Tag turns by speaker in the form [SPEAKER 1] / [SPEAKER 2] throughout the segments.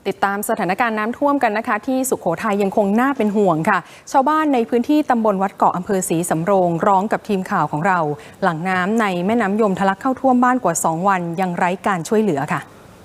[SPEAKER 1] ติดตามสถานการณ์น้ำท่วมกันนะคะที่สุโขทัยยังคงน่าเป็นห่วงค่ะชาวบ้านในพื้นที่ตำบลวัดเกาะอำเภอศรีสำโรงร้องกับทีมข่าวของเราหลังน้ำในแม่น้ำยมทะลักเข้าท่วมบ้านกว่า2 วันยังไร้การช่วยเหลือค่ะ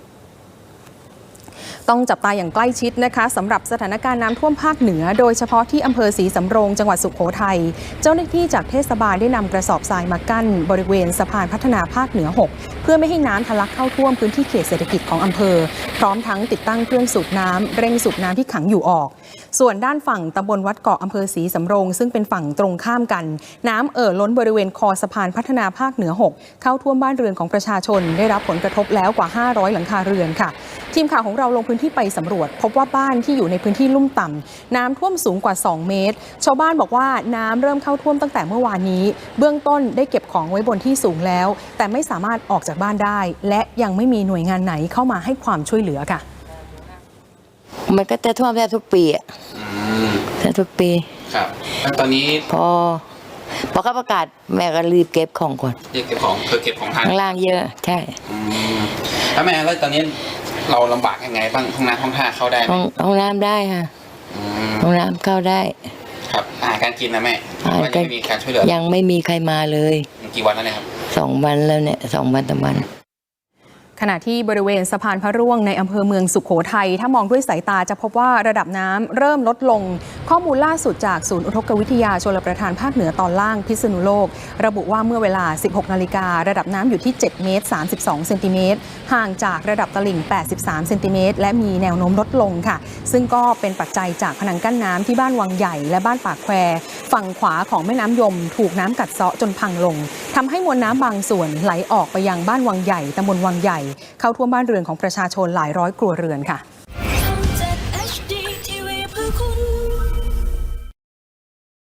[SPEAKER 1] ต้องจับตาอย่างใกล้ชิดนะคะสำหรับสถานการณ์น้ำท่วมภาคเหนือโดยเฉพาะที่อำเภอศรีสำโรงจังหวัดสุโขทัยเจ้าหน้าที่จากเทศบาลได้นำกระสอบทรายมากั้นบริเวณสะพานพัฒนาภาคเหนือ6เพื่อไม่ให้น้ำทะลักเข้าท่วมพื้นที่เขตเศรษฐกิจของอำเภอพร้อมทั้งติดตั้งเครื่องสูบน้ำเร่งสูบน้ำที่ขังอยู่ออกส่วนด้านฝั่งตำบลวัดเกาะอำเภอศรีสำโรงซึ่งเป็นฝั่งตรงข้ามกันน้ำล้นบริเวณคอสะพานพัฒนาภาคเหนือ6เข้าท่วมบ้านเรือนของประชาชนได้รับผลกระทบแล้วกว่า500หลังคาเรือนค่ะทีมข่าวของเราลงพื้นที่ไปสำรวจพบว่าบ้านที่อยู่ในพื้นที่ลุ่มต่ำน้ำท่วมสูงกว่า2 เมตรชาวบ้านบอกว่าน้ำเริ่มเข้าท่วมตั้งแต่เมื่อวานนี้เบื้องต้นได้เก็บของไว้บนที่สูงแล้วแต่ไม่สามารถออกจากบ้านได้และยังไม่มีหน่วยงานไหนเข้ามาให้ความช่วยเหลือค่ะ
[SPEAKER 2] มันก็จะท่วมแทบทุกปีอ่ะแทบทุกปี
[SPEAKER 3] ครับแล้วตอนนี้
[SPEAKER 2] พอเขาประกาศแม่ก็รีบเก็บของก่อน
[SPEAKER 3] เก็บของคือเก็บของทาง
[SPEAKER 2] ล่างเยอะใช่
[SPEAKER 3] แล้วแม่แล้วตอนนี้เราลำบากยังไงบ้างห้องน้ำห้องท่าเข้าได้ไหม
[SPEAKER 2] ห้องน้ำได้ค่ะห้องน้ำเข้าได้
[SPEAKER 3] ครับอาหารการกินนะแม่ยังไม่มีการช่วยเหลือ
[SPEAKER 2] ยังไม่มีใครมาเลย
[SPEAKER 3] กี่วันแล้วเนี่ยครับ
[SPEAKER 2] 2 วันแล้วเนี่ย2 วันต่อวัน
[SPEAKER 1] ขณะที่บริเวณสะพานพระร่วงในอำเภอเมืองสุโขทัยถ้ามองด้วยสายตาจะพบว่าระดับน้ำเริ่มลดลงข้อมูลล่าสุดจากศูนย์อุทกวิทยาชลประทานภาคเหนือตอนล่างพิษณุโลกระบุว่าเมื่อเวลา 16 นาฬิการะดับน้ำอยู่ที่7 เมตร 32 เซนติเมตรห่างจากระดับตลิ่ง 83 เซนติเมตรและมีแนวโน้มลดลงค่ะซึ่งก็เป็นปัจจัยจากผนังกั้นน้ำที่บ้านวังใหญ่และบ้านปากแควฝั่งขวาของแม่น้ำยมถูกน้ำกัดเซาะจนพังลงทำให้มวลน้ำบางส่วนไหลออกไปยังบ้านวังใหญ่ตำบลวังใหญ่เข้าท่วมบ้านเรือนของประชาชนหลายร้อยครัวเรือนค่ะ